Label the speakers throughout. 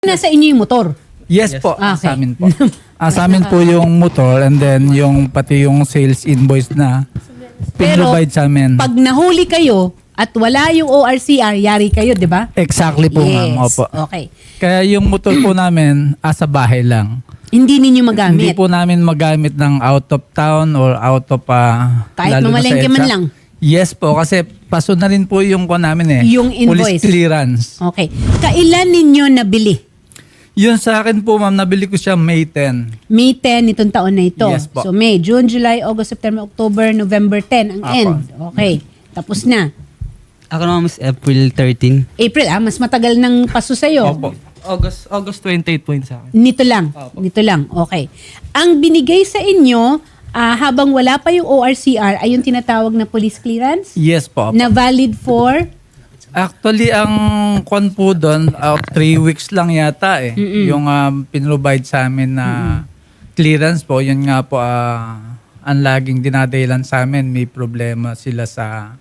Speaker 1: Nasa inyo yung motor.
Speaker 2: Yes,
Speaker 3: Yes.
Speaker 2: po,
Speaker 1: Okay.
Speaker 2: sa amin po. Sa amin po yung motor and then yung pati yung sales invoice na
Speaker 1: Pero,
Speaker 2: pinrovide sa amin.
Speaker 1: Pag nahuli kayo at wala yung ORCR, yari kayo, di ba?
Speaker 2: Exactly po, ma'am. Opo.
Speaker 1: Okay.
Speaker 2: Kaya yung motor po namin, sa bahay lang.
Speaker 1: Hindi ninyo
Speaker 2: Hindi
Speaker 1: magamit.
Speaker 2: po namin magamit ng out of town or out of
Speaker 1: Kahit
Speaker 2: lalo na sa
Speaker 1: mamalengke man
Speaker 2: EDSA.
Speaker 1: lang.
Speaker 2: Yes po, kasi paso na rin po yung namin
Speaker 1: Yung invoice.
Speaker 2: Police clearance.
Speaker 1: Okay. Kailan ninyo nabili?
Speaker 2: Yun sa akin po, ma'am, nabili ko siya May 10.
Speaker 1: May 10 itong taon na ito.
Speaker 2: Yes po.
Speaker 1: So May, June, July, August, September, October, November 10 ang
Speaker 2: Apo.
Speaker 1: end. Okay. Tapos na.
Speaker 3: Ako naman mas April 13.
Speaker 1: April, mas matagal ng paso sa'yo.
Speaker 2: Opo.
Speaker 3: August 28 po yun sa akin.
Speaker 1: Nito lang.
Speaker 3: Opo.
Speaker 1: Nito lang. Okay. Ang binigay sa inyo, habang wala pa yung ORCR, ay yung tinatawag na police clearance?
Speaker 2: Yes po.
Speaker 1: Na valid for?
Speaker 2: Actually, ang kwan po doon, 3 weeks lang yata eh. Yung pinrovide sa amin na clearance po, yun nga po, ang laging dinadahilan sa amin, may problema sila sa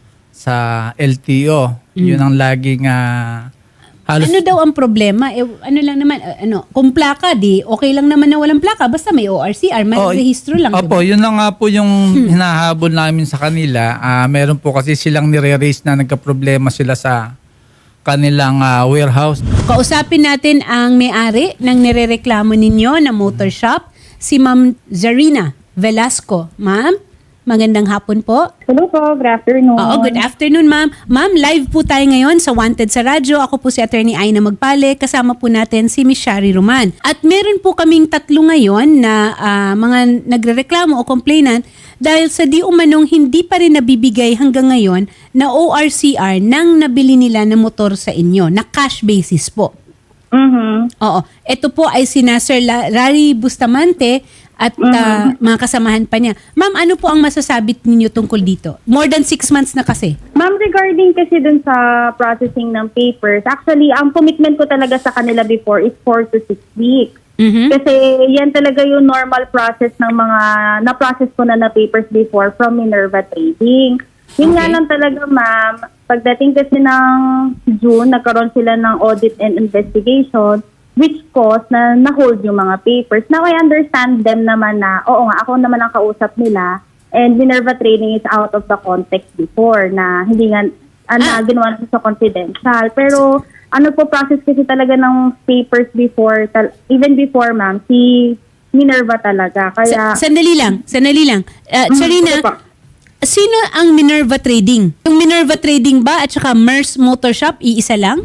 Speaker 2: LTO. Yun ang laging halos...
Speaker 1: Ano daw ang problema? Ano lang naman, kung plaka, di okay lang naman na walang plaka, basta may ORCR, may rehistro lang.
Speaker 2: Opo,
Speaker 1: diba?
Speaker 2: yun lang nga po yung hinahabol namin sa kanila. Meron po kasi silang nire-raise na nagka-problema sila sa kanilang warehouse.
Speaker 1: Kausapin natin ang may-ari ng nirereklamo ninyo na motor shop, si Ma'am Zarina Velasco. Ma'am, magandang hapon po.
Speaker 4: Hello po, good afternoon.
Speaker 1: Oo, good afternoon, ma'am. Ma'am, live po tayo ngayon sa Wanted sa Radyo. Ako po si Attorney Aina Magpale. Kasama po natin si Miss Shari Roman. At meron po kaming tatlo ngayon na mga nagrereklamo o complainant dahil sa di umanong hindi pa rin nabibigay hanggang ngayon na ORCR nang nabili nila na motor sa inyo, na cash basis po.
Speaker 4: Mhm.
Speaker 1: Oo. Ito po ay sina Sir Larry Bustamante at mga kasamahan pa niya. Ma'am, ano po ang masasabi ninyo tungkol dito? More than 6 months na kasi.
Speaker 4: Ma'am, regarding kasi dun sa processing ng papers, actually, ang commitment ko talaga sa kanila before is 4 to 6 weeks.
Speaker 1: Mhm.
Speaker 4: Kasi yan talaga yung normal process ng mga na-process ko na papers before from Minerva Trading. Yun nga
Speaker 1: Okay.
Speaker 4: lang talaga, ma'am. Pagdating kasi ng June, nagkaroon sila ng audit and investigation which caused na na-hold yung mga papers. Now, I understand them naman na, oo nga, ako naman ang kausap nila and Minerva Trading is out of the context before na hindi nga, ginawa na sa confidential. Pero, ano po process kasi talaga ng papers before, even before, ma'am, si Minerva talaga. Kaya,
Speaker 1: Sandali lang. Charina,
Speaker 4: ano po?
Speaker 1: sino ang Minerva Trading? Yung Minerva Trading ba at saka Mers Motor Shop, iisa lang?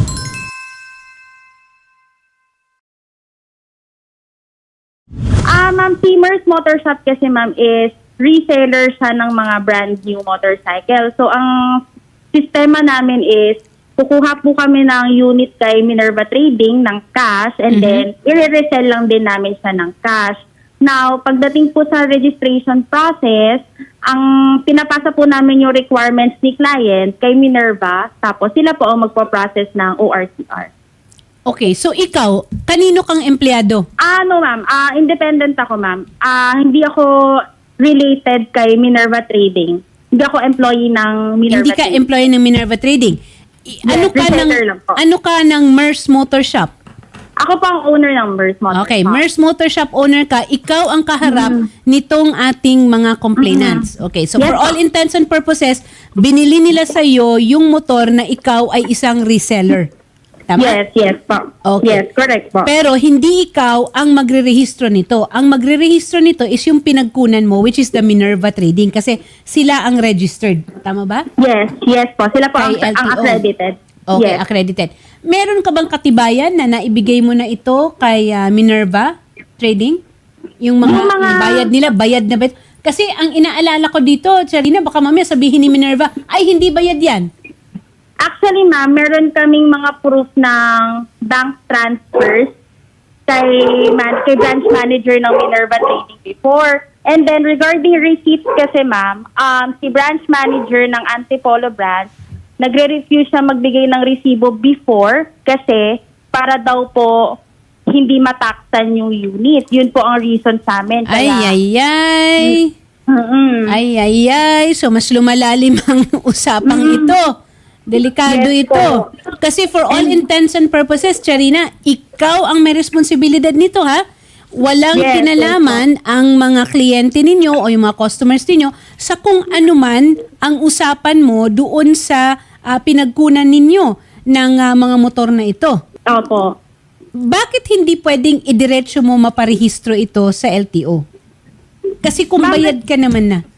Speaker 4: Ma'am, Teamers Motor Shop kasi, ma'am, is reseller siya ng mga brand new motorcycle. So, ang sistema namin is, kukuha po kami ng unit kay Minerva Trading ng cash and then i-resell lang din namin siya ng cash. Now, pagdating po sa registration process, ang pinapasa po namin yung requirements ni client kay Minerva, tapos sila po ang magpo-process ng ORCR.
Speaker 1: Okay, so ikaw, kanino kang empleyado?
Speaker 4: No, ma'am. Independent ako, ma'am. Hindi ako related kay Minerva Trading. Hindi ako employee ng Minerva
Speaker 1: Hindi ka
Speaker 4: Trading.
Speaker 1: employee ng Minerva Trading.
Speaker 4: reseller lang po.
Speaker 1: Ano ka ng Mers Motor Shop?
Speaker 4: Ako po ang owner ng Mers Motor
Speaker 1: Okay,
Speaker 4: Shop.
Speaker 1: Mers Motor Shop owner ka, ikaw ang kaharap nitong ating mga complainants. Okay, so
Speaker 4: Yes,
Speaker 1: for all
Speaker 4: po.
Speaker 1: intents and purposes, binili nila sa iyo yung motor na ikaw ay isang reseller. Tama?
Speaker 4: Yes po.
Speaker 1: Okay.
Speaker 4: Yes, correct po.
Speaker 1: Pero hindi ikaw ang magre-rehistro nito. Ang magre-rehistro nito is yung pinagkunan mo, which is the Minerva Trading, kasi sila ang registered. Tama ba?
Speaker 4: Yes po. Sila po ang
Speaker 1: Kay LTO.
Speaker 4: accredited.
Speaker 1: Okay,
Speaker 4: Yes.
Speaker 1: accredited. Meron ka bang katibayan na naibigay mo na ito kay Minerva Trading? Yung bayad nila, bayad na ba? Kasi ang inaalala ko dito, Charina, baka mamaya sabihin ni Minerva, ay hindi bayad yan.
Speaker 4: Actually, ma'am, meron kaming mga proof ng bank transfers kay branch manager ng Minerva Trading before. And then regarding receipts kasi, ma'am, si branch manager ng Antipolo branch, nagre-refuse siya magbigay ng resibo before kasi para daw po hindi mataksan yung unit. Yun po ang reason sa amin. Kaya,
Speaker 1: Ay. So mas lumalalim ang usapang ito. Delikado
Speaker 4: Yes
Speaker 1: ito.
Speaker 4: po.
Speaker 1: Kasi for all intents and purposes, Charina, ikaw ang may responsibilidad nito, ha? Walang
Speaker 4: Yes,
Speaker 1: kinalaman ang mga kliyente ninyo o yung mga customers ninyo sa kung ano man ang usapan mo doon sa pinagkunan ninyo ng mga motor na ito.
Speaker 4: Opo.
Speaker 1: Bakit hindi pwedeng idiretso mo maparehistro ito sa LTO? Kasi kung bayad ka naman na.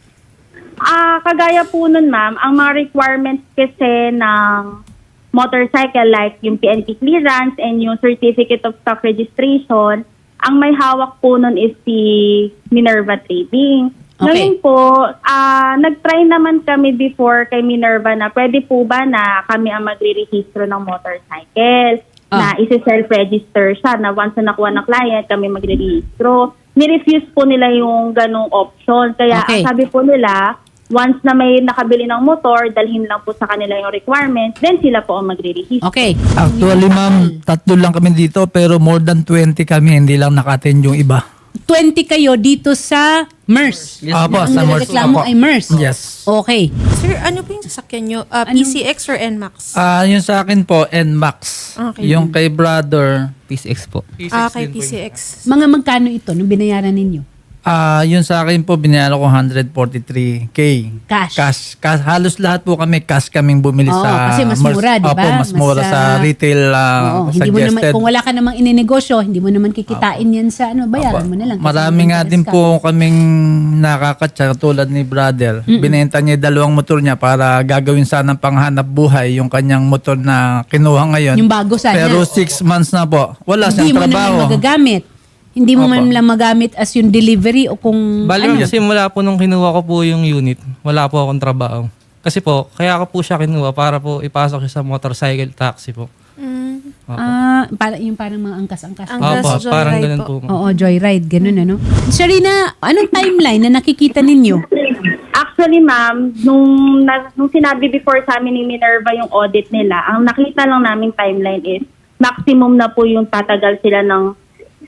Speaker 4: Kagaya po nun, ma'am, ang mga requirements kasi ng motorcycle like yung PNP clearance and yung Certificate of Stock Registration, ang may hawak po nun is si Minerva Trading.
Speaker 1: Okay.
Speaker 4: Ngayon po, nag-try naman kami before kay Minerva na pwede po ba na kami ang magre-rehistro ng motorcycle, na isi-self-register siya, na once na nakuha ng client, kami magre-rehistro. Ni-refuse po nila yung ganong option. Kaya
Speaker 1: Okay.
Speaker 4: ang sabi po nila, once na may nakabili ng motor, dalhin lang po sa kanila yung requirements, then sila po ang magre-rehistro.
Speaker 1: Okay.
Speaker 2: Actually, ma'am, 3 lang kami dito pero more than 20 kami. Hindi lang naka-attend yung iba.
Speaker 1: 20 kayo dito sa MERS.
Speaker 2: Opo,
Speaker 1: Ang
Speaker 2: sa MERS.
Speaker 1: nireklamo
Speaker 2: Opo.
Speaker 1: ay MERS.
Speaker 2: Yes.
Speaker 1: Okay.
Speaker 5: Sir, ano po yung sasakyan nyo? PCX or NMAX?
Speaker 2: Yung sa akin po, NMAX.
Speaker 5: Okay.
Speaker 2: Yung kay brother,
Speaker 3: PCX po.
Speaker 5: Kay PCX.
Speaker 1: Mga magkano ito nung binayaran ninyo?
Speaker 2: yung sa akin po, binayaran ko 143K.
Speaker 1: Cash.
Speaker 2: Halos lahat po kami, cash kaming bumili
Speaker 1: Oo,
Speaker 2: sa...
Speaker 1: kasi mas mura, di ba?
Speaker 2: Opo, mas mura
Speaker 1: Mas,
Speaker 2: sa retail
Speaker 1: Oo, hindi mo naman,
Speaker 2: suggested.
Speaker 1: kung wala ka namang ininegosyo, hindi mo naman kikitain yan sa bayaran mo na lang. Kasi
Speaker 2: Marami nga
Speaker 1: interest
Speaker 2: din
Speaker 1: ka.
Speaker 2: po kaming nakakatsa tulad ni brother. Binenta niya yung 2 motor niya para gagawin sanang panghanap buhay yung kanyang motor na kinuha ngayon.
Speaker 1: Yung bago sana.
Speaker 2: Pero 6 months na po. Wala
Speaker 1: Hindi
Speaker 2: siyang
Speaker 1: mo naman
Speaker 2: trabaho.
Speaker 1: magagamit. Hindi mo
Speaker 2: Opo.
Speaker 1: man lang magamit as yung delivery o kung
Speaker 3: Bali ma'am, kasi mula po nung kinuha ko po yung unit, wala po akong trabaho. Kasi po, kaya ko po siya kinuha para po ipasok siya sa motorcycle taxi po. Opo.
Speaker 1: yung parang mga angkas-angkas.
Speaker 5: Angkas.
Speaker 3: Opo,
Speaker 5: joyride
Speaker 3: parang ganun
Speaker 5: po.
Speaker 3: po. ma'am.
Speaker 1: Oo, joyride, ganun ano. Sharina, anong timeline na nakikita ninyo?
Speaker 4: Actually, ma'am, nung sinabi before sa amin ni Minerva yung audit nila, ang nakita lang namin timeline is maximum na po yung tatagal sila ng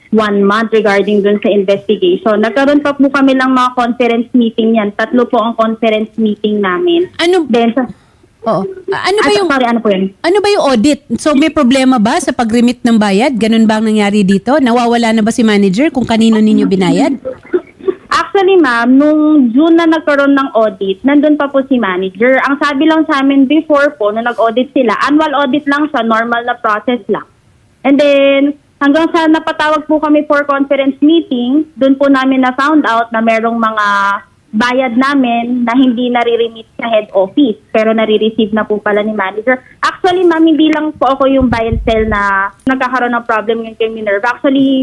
Speaker 4: 1 month regarding dun sa investigation. Nagkaroon pa po kami lang mga conference meeting yan. 3 po ang conference meeting namin.
Speaker 1: Ano
Speaker 4: Then,
Speaker 1: Oo. Ano ba yung
Speaker 4: sorry, ano po yun?
Speaker 1: Ano ba yung audit? So may problema ba sa pag-remit ng bayad? Ganun ba ang nangyari dito? Nawawala na ba si manager kung kanino ninyo binayad?
Speaker 4: Actually, ma'am, nung June na nagkaroon ng audit, nandun pa po si manager. Ang sabi lang sa amin before po, nung nag-audit sila, annual audit lang siya, normal na process lang. And then, hanggang sa napatawag po kami for conference meeting, dun po namin na found out na merong mga bayad namin na hindi nare-remit sa head office, pero nare-receive na po pala ni manager. Actually, ma'am, hindi lang po ako yung buy and sell na nagkakaroon ng problem yung kay Minerva. Actually,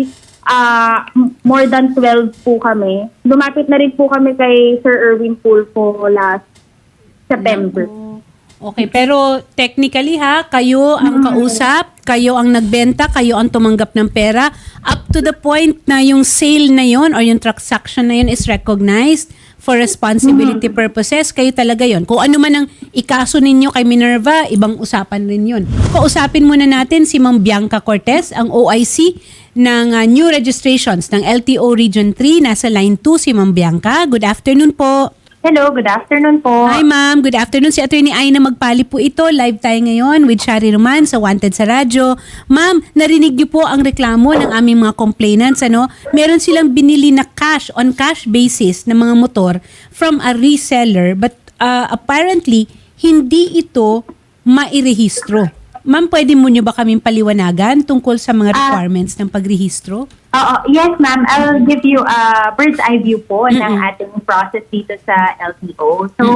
Speaker 4: more than 12 po kami. Lumapit na rin po kami kay Sir Erwin Pulfo last September.
Speaker 1: Okay, pero technically kayo ang kausap, kayo ang nagbenta, kayo ang tumanggap ng pera up to the point na yung sale na yon or yung transaction na yon is recognized for responsibility purposes. Kayo talaga yon. Kung ano man ang ikaso ninyo kay Minerva, ibang usapan rin yun. Kausapin muna natin si Ma'am Bianca Cortez, ang OIC ng new registrations ng LTO Region 3. Nasa line 2 si Ma'am Bianca. Good afternoon po.
Speaker 4: Hello, good afternoon po.
Speaker 1: Hi ma'am, good afternoon. Si Attorney Aina Magpali po ito. Live tayo ngayon with Shari Roman sa Wanted sa Radyo. Ma'am, narinig niyo po ang reklamo ng aming mga complainants. Meron silang binili na cash, on cash basis na mga motor from a reseller but apparently hindi ito mairehistro. Ma'am, pwede mo niyo ba kaming paliwanagan tungkol sa mga requirements ng pagrehistro?
Speaker 6: Yes, ma'am. I'll give you a bird's eye view po ng ating process dito sa LTO. So,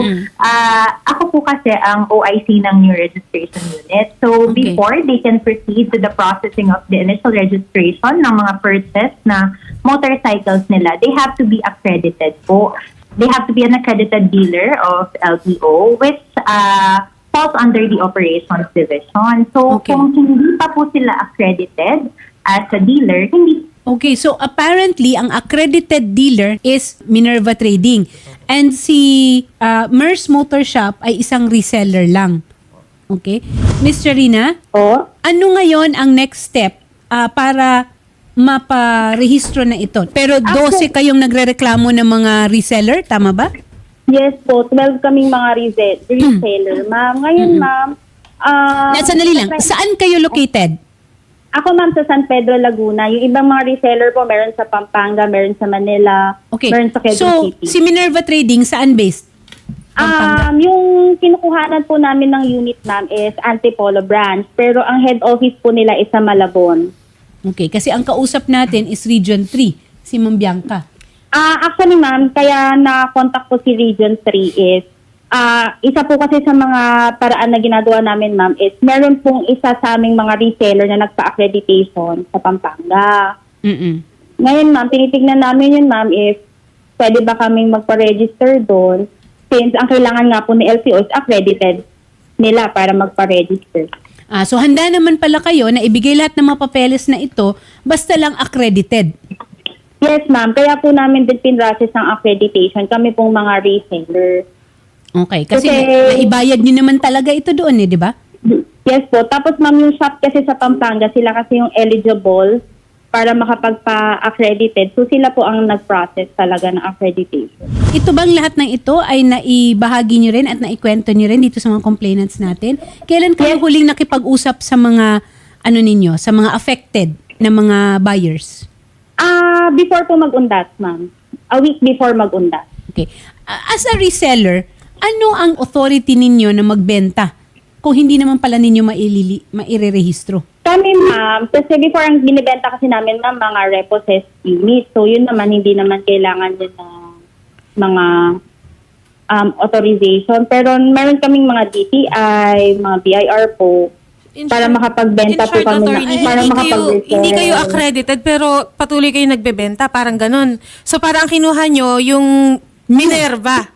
Speaker 6: ako po kasi ang OIC ng new registration unit. So,
Speaker 1: Okay.
Speaker 6: before they can proceed to the processing of the initial registration ng mga purchase na motorcycles nila, they have to be accredited po. They have to be an accredited dealer of LTO, which falls under the operations division. So,
Speaker 1: Okay.
Speaker 6: kung hindi pa po sila accredited as a dealer, hindi
Speaker 1: Okay, so apparently, ang accredited dealer is Minerva Trading. And si MERS Motor Shop ay isang reseller lang. Okay? Miss Sharina,
Speaker 4: Po?
Speaker 1: ano ngayon ang next step para maparehistro na ito? Pero 12 kayong nagrereklamo ng mga reseller, tama ba?
Speaker 4: Yes po, 12 kaming mga reseller, ma'am. Ngayon, ma'am,
Speaker 1: Sandali lang. Saan kayo located?
Speaker 4: Ako ma'am sa San Pedro, Laguna. Yung ibang mga reseller po, meron sa Pampanga, meron sa Manila,
Speaker 1: Okay.
Speaker 4: meron sa Quezon
Speaker 1: So,
Speaker 4: City.
Speaker 1: si Minerva Trading, saan based?
Speaker 4: Yung kinukuhanan po namin ng unit ma'am is Antipolo branch, pero ang head office po nila is sa Malabon.
Speaker 1: Okay, kasi ang kausap natin is Region 3, si Ma'am Bianca.
Speaker 4: Actually ma'am, kaya na-contact po si Region 3 is, isa po kasi sa mga paraan na ginagawa namin ma'am is, meron pong isa sa aming mga reseller na nagpa-accreditation sa Pampanga.
Speaker 1: Mm-mm.
Speaker 4: Ngayon ma'am, tinitignan namin yun ma'am if pwede ba kaming magpa-register doon since ang kailangan nga po ni LTO is accredited nila para magpa-register.
Speaker 1: So handa naman pala kayo na ibigay lahat ng mga papeles na ito basta lang accredited.
Speaker 4: Yes ma'am, kaya po namin din pinrocess ng accreditation kami pong mga reseller.
Speaker 1: Okay, kasi
Speaker 4: Kasi-
Speaker 1: naibayad nyo naman talaga ito doon di ba?
Speaker 4: Yes po. Tapos ma'am, yung shop kasi sa Pampanga, sila kasi yung eligible para makapagpa-accredited. So sila po ang nag-process talaga ng accreditation.
Speaker 1: Ito bang lahat ng ito ay naibahagi nyo rin at naikwento nyo rin dito sa mga complainants natin? Kailan kayo huling nakipag-usap sa mga ninyo, sa mga affected na mga buyers?
Speaker 4: Before po mag-undas, ma'am. A week before mag-undas.
Speaker 1: Okay. As a reseller, ano ang authority ninyo na magbenta kung hindi naman pala ninyo mairerehistro?
Speaker 4: Kami ma'am, kasi before ang binibenta kasi namin ng mga repossessed unit. So yun naman, hindi naman kailangan din ng mga authorization. Pero meron kaming mga DTI, mga BIR po, para makapagbenta po kami. Para makapag-refer.
Speaker 5: Hindi kayo accredited pero patuloy kayo nagbebenta, parang ganun. So parang ang kinuha nyo yung Minerva.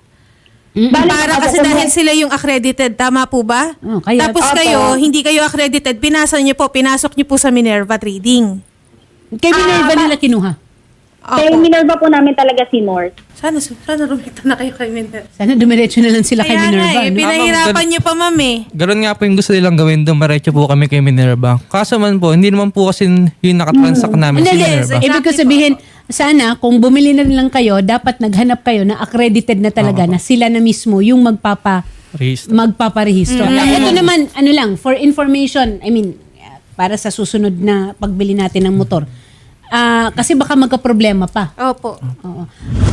Speaker 5: Para kasi dahil sila yung accredited, tama po ba?
Speaker 1: Oh, kaya-
Speaker 5: Tapos
Speaker 4: Opo.
Speaker 5: kayo, hindi kayo accredited, pinasok nyo po sa Minerva Trading.
Speaker 1: Kay Minerva nila kinuha.
Speaker 4: Kay
Speaker 5: Opo.
Speaker 4: Minerva po namin talaga si North.
Speaker 5: Sana rumita na kayo kay Minerva.
Speaker 1: Sana dumiretso na lang sila kay
Speaker 5: Kaya
Speaker 1: Minerva.
Speaker 5: nga eh,
Speaker 1: no?
Speaker 5: pinahirapan nyo pa ma'am eh.
Speaker 3: Ganun nga po yung gusto nilang gawin, dumiretso po kami kay Minerva. Kaso man po, hindi naman po kasi yung nakatransact namin si
Speaker 1: Hindi,
Speaker 3: Minerva.
Speaker 1: ibig ko sabihin, sana kung bumili na lang kayo, dapat naghanap kayo na accredited na talaga na sila na mismo yung
Speaker 3: Register.
Speaker 1: magpaparehistro. Ito naman, for information, para sa susunod na pagbili natin ng motor. Kasi baka magka-problema pa.
Speaker 5: Opo.
Speaker 1: Oo.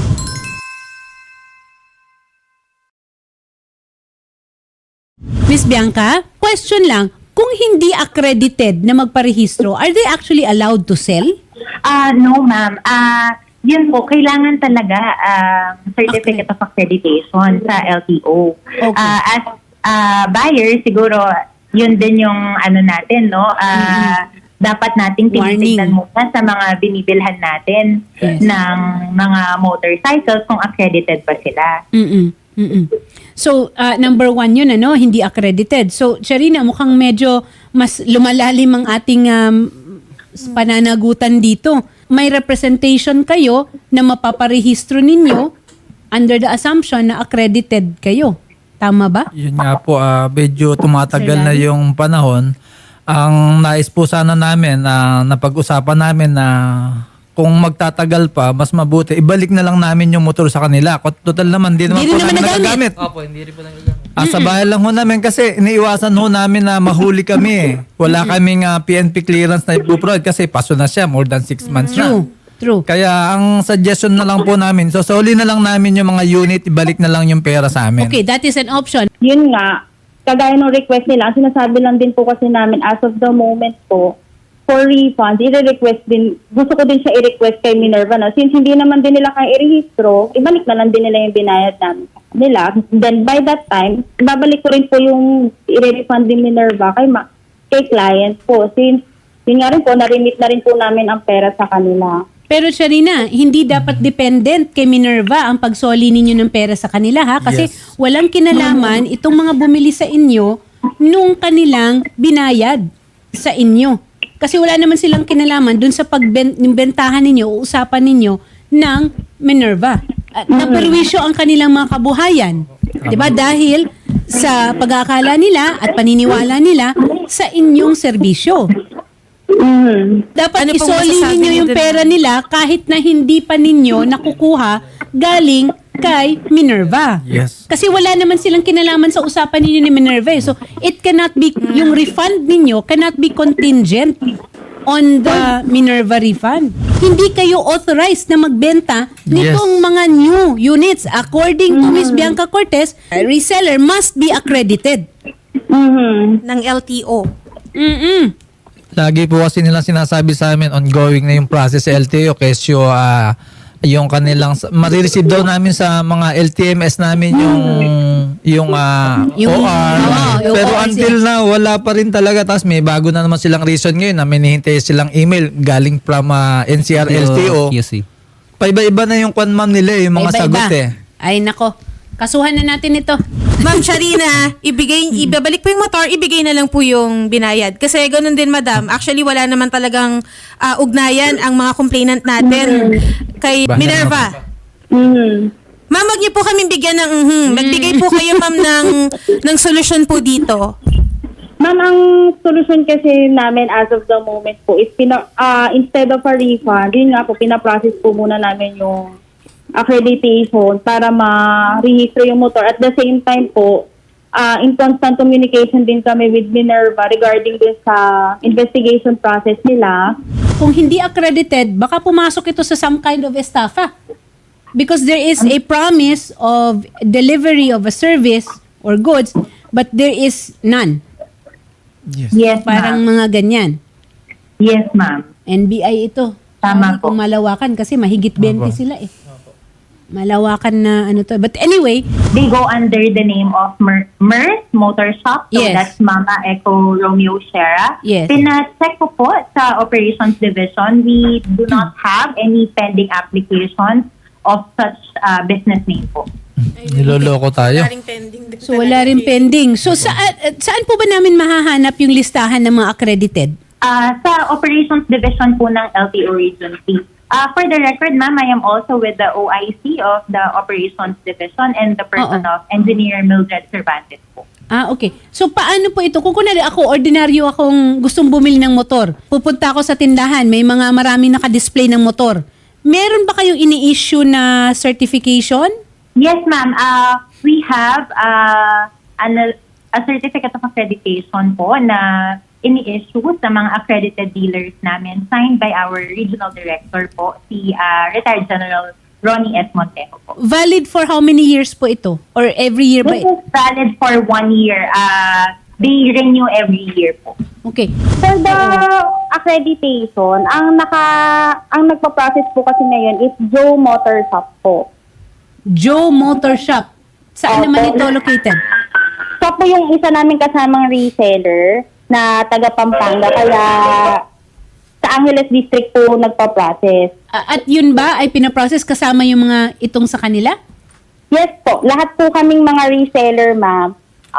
Speaker 1: Miss Bianca, question lang, kung hindi accredited na magparehistro, are they actually allowed to sell?
Speaker 6: No, ma'am. Yun po, kailangan talaga certificate of accreditation sa LTO.
Speaker 1: Okay.
Speaker 6: As buyer, siguro, yun din yung natin, no? Dapat nating tinitignan
Speaker 1: Warning.
Speaker 6: muna sa mga binibilhan natin
Speaker 1: Yes.
Speaker 6: ng mga motorcycles kung accredited ba sila.
Speaker 1: So, number 1 yun, hindi accredited. So, Sharina, mukhang medyo mas lumalalim ang ating pananagutan dito. May representation kayo na mapaparehistro ninyo under the assumption na accredited kayo. Tama ba?
Speaker 2: Yun nga po, medyo tumatagal
Speaker 1: Sir
Speaker 2: na
Speaker 1: Larry?
Speaker 2: yung panahon. Ang nais po sana namin, napag-usapan namin na kung magtatagal pa, mas mabuti, ibalik na lang namin yung motor sa kanila. Total naman, di naman
Speaker 1: Di rin
Speaker 2: po
Speaker 1: naman
Speaker 2: namin
Speaker 1: nagamit.
Speaker 2: nagagamit.
Speaker 3: Opo, hindi rin po nagagamit.
Speaker 2: Sa bahay lang ho namin kasi iniiwasan ho namin na mahuli kami eh. Wala kaming PNP clearance na ipuprovide kasi paso na siya, more than 6 months na.
Speaker 1: True.
Speaker 2: Kaya ang suggestion na lang po namin, so soli na lang namin yung mga unit, ibalik na lang yung pera sa amin.
Speaker 1: Okay, that is an option.
Speaker 4: Yun nga, kagaya ng request nila, ang sinasabi lang din po kasi namin as of the moment po, for refunds, i-request din, gusto ko din siya i-request kay Minerva na since hindi naman din nila kaya i-rehistro, ibalik na lang din nila yung binayad namin sa kanila. Then by that time, babalik ko rin po yung i-refund din Minerva kay client po. Since yun nga rin po, narimit na rin po namin ang pera sa kanila.
Speaker 1: Pero Sharina, hindi dapat dependent kay Minerva ang pagsoli ninyo ng pera sa kanila ha? Kasi
Speaker 2: Yes.
Speaker 1: walang kinalaman itong mga bumili sa inyo nung kanilang binayad sa inyo. Kasi wala naman silang kinalaman dun sa pagbentahan ninyo o usapan ninyo ng Minerva. At naperwisyo ang kanilang mga kabuhayan. 'Di ba? Dahil sa pag-aakala nila at paniniwala nila sa inyong serbisyo. Dapat
Speaker 5: Ano pong
Speaker 1: isoli
Speaker 5: masasabi
Speaker 1: ninyo
Speaker 5: niyo
Speaker 1: yung
Speaker 5: dun?
Speaker 1: pera nila kahit na hindi pa ninyo nakukuha galing kay Minerva.
Speaker 2: Yes.
Speaker 1: Kasi wala naman silang kinalaman sa usapan ninyo ni Minerva. So, it cannot be, yung refund ninyo cannot be contingent on the Minerva refund. Hindi kayo authorized na magbenta nitong mga new units. According to Ms. Bianca Cortez, a reseller must be accredited.
Speaker 5: Ng LTO.
Speaker 2: Lagi po kasi nilang sinasabi sa amin, ongoing na yung process sa LTO, kesyo yung kanilang, marireceive daw namin sa mga LTMS namin yung OR.
Speaker 1: yung
Speaker 2: Pero
Speaker 1: OR,
Speaker 2: until now, wala pa rin talaga. Tapos may bago na naman silang reason ngayon na may hinihintay silang email galing from NCR LTO.
Speaker 3: QC.
Speaker 2: Paiba-iba na yung kwan ma'am nila yung mga
Speaker 1: Iba-iba.
Speaker 2: sagot eh.
Speaker 1: Ay, nako. Kasuhan na natin ito.
Speaker 5: Ma'am Sharina, ibabalik po yung motor, ibigay na lang po yung binayad. Kasi ganun din, madam. Actually, wala naman talagang ugnayan ang mga complainant natin kay
Speaker 2: Bahala
Speaker 5: Minerva. Ma'am, wag niyo po kami bigyan ng Magbigay po kayo, ma'am, ng solusyon po dito.
Speaker 4: Ma'am, ang solution kasi namin as of the moment po is instead of a refund, yun nga po, pinaprocess po muna namin yung accreditation para ma-register yung motor. At the same time po, in constant communication din kami with Minerva regarding din sa investigation process nila.
Speaker 1: Kung hindi accredited, baka pumasok ito sa some kind of estafa. Because there is a promise of delivery of a service or goods, but there is none.
Speaker 6: Yes,
Speaker 1: Parang
Speaker 6: ma'am.
Speaker 1: mga ganyan.
Speaker 6: Yes, ma'am.
Speaker 1: NBI ito.
Speaker 6: Tama
Speaker 1: Kung
Speaker 6: po.
Speaker 1: malawakan kasi mahigit 20 sila eh. Malawakan na ano to. But anyway,
Speaker 6: They go under the name of MERS Motor Shop. So
Speaker 1: Yes.
Speaker 6: that's Mama Echo Romeo Sierra.
Speaker 1: Yes.
Speaker 6: Pina-check ko po sa Operations Division. We do not have any pending applications of such business name po.
Speaker 2: Niloloko tayo.
Speaker 1: so wala rin pending. So saan po ba namin mahahanap yung listahan ng mga accredited?
Speaker 6: Sa Operations Division po ng LTO Region 3. For the record, ma'am, I am also with the OIC of the Operations Division and the person of Engineer Mildred Cervantes po.
Speaker 1: Okay. So, paano po ito? Kung kunwari ako, ordinaryo akong gustong bumili ng motor, pupunta ako sa tindahan, may mga maraming naka-display ng motor. Meron ba kayong ini-issue na certification?
Speaker 6: Yes, ma'am. We have a certificate of accreditation po na ini-issue sa mga accredited dealers namin signed by our regional director po, si retired General Ronnie S. Montejo po.
Speaker 1: Valid for how many years po ito? Or every year ba?
Speaker 6: This is valid for 1 year. They renew every year po.
Speaker 1: Okay.
Speaker 4: For the accreditation, ang nagpa-process po kasi ngayon is Joe Motor Shop po.
Speaker 1: Joe Motor Shop. Saan naman ito located?
Speaker 4: So po yung isa namin kasamang reseller na taga Pampanga, kaya sa Angeles District po nagpa-process.
Speaker 1: At yun ba ay pinaprocess kasama yung mga itong sa kanila?
Speaker 4: Yes po, lahat po kaming mga reseller, ma'am.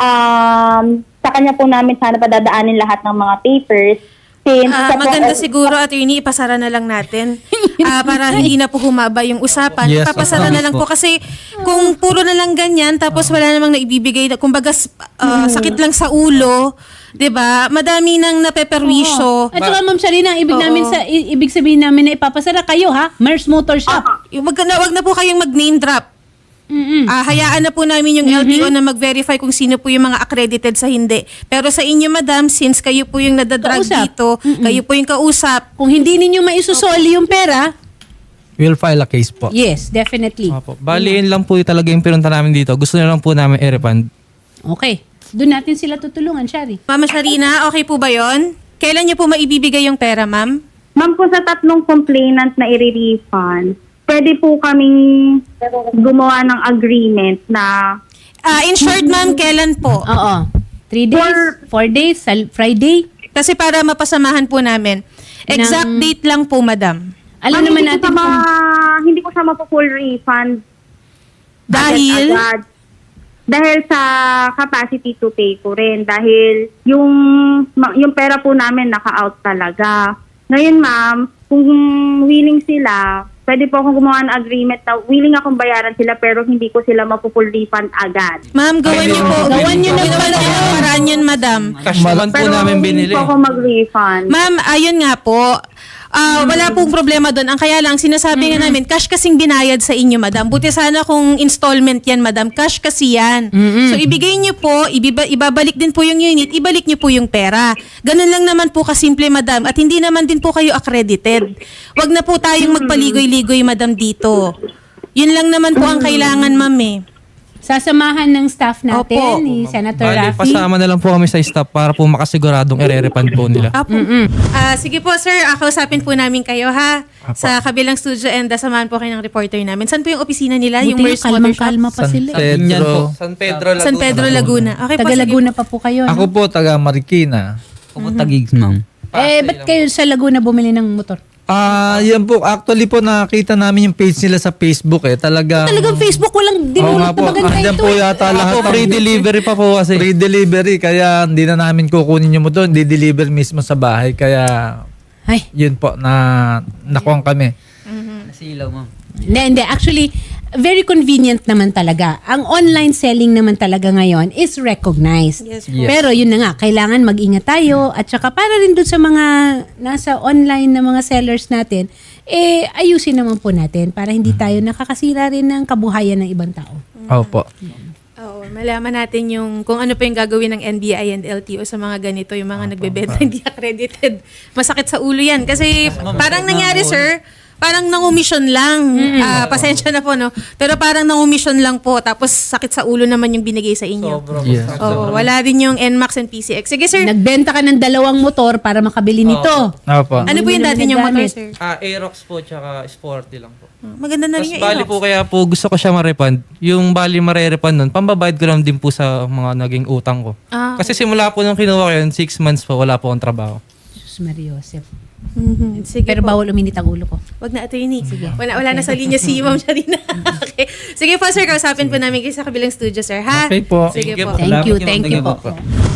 Speaker 4: Sa kanya po namin sana padadaanin lahat ng mga papers. Since
Speaker 5: Maganda siguro, attorney, ipasara na lang natin para hindi na po humaba yung usapan.
Speaker 2: Yes,
Speaker 5: Papasara na lang po kasi kung puro na lang ganyan tapos wala namang naibibigay, kumbaga sakit lang sa ulo, 'di ba? Madami nang napeperwisyo.
Speaker 1: At saka Ma'am Sharina, ibig sabihin namin na ipapasara kayo ha, MERS Motor Shop.
Speaker 5: Wag na po kayong mag-name drop. Hayaan na po namin yung LTO na mag-verify kung sino po yung mga accredited sa hindi. Pero sa inyo, madam, since kayo po yung nadadrag
Speaker 1: Kausap.
Speaker 5: dito, kayo po yung kausap,
Speaker 1: Kung hindi ninyo maisusoli yung pera,
Speaker 2: We'll file a case po.
Speaker 1: yes, definitely.
Speaker 3: Opo. Baliin lang po talaga yung pinunta namin dito. Gusto na lang po namin i-refund.
Speaker 1: Okay. Doon natin sila tutulungan, Shari.
Speaker 5: Mama Sharina, okay po ba yon? Kailan niyo po maibibigay yung pera, ma'am?
Speaker 4: Ma'am, po sa tatlong complainant na i-refund, pwede po kaming gumawa ng agreement na
Speaker 5: In short, ma'am, kailan po?
Speaker 1: Oo. 3 days, 4 days, Friday.
Speaker 5: Kasi para mapasamahan po namin. Exact date lang po, madam.
Speaker 1: Alam
Speaker 4: Ma'am,
Speaker 1: naman natin kung...
Speaker 4: hindi ko siya mapu-full refund
Speaker 5: Dahil?
Speaker 4: agad. Dahil sa capacity to pay ko rin. Dahil yung pera po namin naka-out talaga. Ngayon, ma'am, kung willing sila, pwede po akong gumawa ng agreement na willing akong bayaran sila pero hindi ko sila mapu-full refund agad.
Speaker 5: Ma'am, gawan niyo po.
Speaker 1: Gawan niyo na
Speaker 5: pala yung paraan yun, madam.
Speaker 3: Cash naman po
Speaker 4: Pero
Speaker 3: namin
Speaker 4: willing
Speaker 3: binili.
Speaker 4: po ako mag-refund.
Speaker 5: Ma'am, ayun nga po. wala pong problema doon. Ang kaya lang, sinasabi nga namin, cash kasing binayad sa inyo, madam. Buti sana kung installment yan, madam. Cash kasi yan. So, ibigay nyo po, ibabalik din po yung unit, ibalik nyo po yung pera. Ganun lang naman po kasimple, madam. At hindi naman din po kayo accredited. Wag na po tayong magpaligoy-ligoy, madam, dito. Yun lang naman po ang kailangan, ma'am eh.
Speaker 1: Sasamahan ng staff natin
Speaker 5: Opo.
Speaker 1: ni Senator
Speaker 3: Bali,
Speaker 1: Raffy.
Speaker 3: pasama na lang po kami sa staff para po makasiguradong ire-refund po nila.
Speaker 5: Apo. Sige po, sir. Kausapin po namin kayo, ha? Sa kabilang studio and samahan po kayo ng reporter namin. Saan po yung opisina nila? Yung
Speaker 1: Buti
Speaker 5: Merce
Speaker 1: yung
Speaker 5: Motor Shop?
Speaker 1: kalmang-kalma pa sila.
Speaker 3: Yan po. San Pedro, Laguna.
Speaker 5: San Pedro, Laguna. Okay po,
Speaker 1: Taga
Speaker 5: sige.
Speaker 1: Laguna pa po kayo,
Speaker 2: Ako
Speaker 1: no?
Speaker 2: po, taga Marikina.
Speaker 7: Ako tagigs, ma'am.
Speaker 1: Ba't kayo sa Laguna bumili ng motor?
Speaker 2: Yan po. Actually po, nakita namin yung page nila sa Facebook eh. Talagang
Speaker 1: Facebook, walang
Speaker 2: Oo nga
Speaker 1: dinulot
Speaker 2: po.
Speaker 1: na maganda
Speaker 2: Andyan
Speaker 1: ito
Speaker 2: po
Speaker 1: eh.
Speaker 2: yata
Speaker 3: Ako,
Speaker 2: lahat.
Speaker 3: free delivery pa po kasi.
Speaker 2: Free delivery. Kaya hindi na namin kukunin yung motor. Di-deliver mismo sa bahay. Kaya
Speaker 1: Ay,
Speaker 2: yun po, nakuha kami.
Speaker 7: Nasilaw, ma'am.
Speaker 1: hindi. Actually, very convenient naman talaga. Ang online selling naman talaga ngayon is recognized.
Speaker 5: Yes.
Speaker 1: Pero yun na nga, kailangan mag-ingat tayo at saka para rin dun sa mga nasa online na mga sellers natin, ayusin naman po natin para hindi tayo nakakasira rin ng kabuhayan ng ibang tao.
Speaker 2: Opo.
Speaker 5: Oo, malaman natin yung kung ano pa yung gagawin ng NBI and LTO sa mga ganito, yung mga nagbebenta hindi accredited. Masakit sa ulo yan. Kasi parang nangyari, sir, parang nangumission lang. Pasensya na po, no? Pero parang nangumission lang po. Tapos sakit sa ulo naman yung binigay sa inyo.
Speaker 2: Yes.
Speaker 5: Oo, wala din yung NMAX and PCX. Sige, sir.
Speaker 1: Nagbenta ka ng 2 motor para makabili nito.
Speaker 2: Opo.
Speaker 5: Ano po yung dati yung motor, sir?
Speaker 3: Aerox po tsaka Sporty lang po.
Speaker 5: Maganda na
Speaker 3: Tapos
Speaker 5: rin yung
Speaker 3: bali
Speaker 5: Aerox.
Speaker 3: po kaya po gusto ko siya ma-refund. Yung bali mare-refund nun, pambabayad ko lang din po sa mga naging utang ko. Kasi simula po nung kinuha ko yun, 6 months po, wala po akong trabaho.
Speaker 1: Sus Maria Joseph.
Speaker 5: Sige
Speaker 1: Pero
Speaker 5: po.
Speaker 1: bawal uminit ang ulo ko.
Speaker 5: Wag na, attorney. Wala na sa linya si Ma'am Sharina. Okay. Sige po, sir. Kausapin po namin kayo sa kabilang studio, sir. Ha?
Speaker 2: Okay po.
Speaker 5: Sige
Speaker 3: Thank you
Speaker 5: po.
Speaker 1: Thank you
Speaker 7: Salamat,
Speaker 1: po.
Speaker 7: thank you po.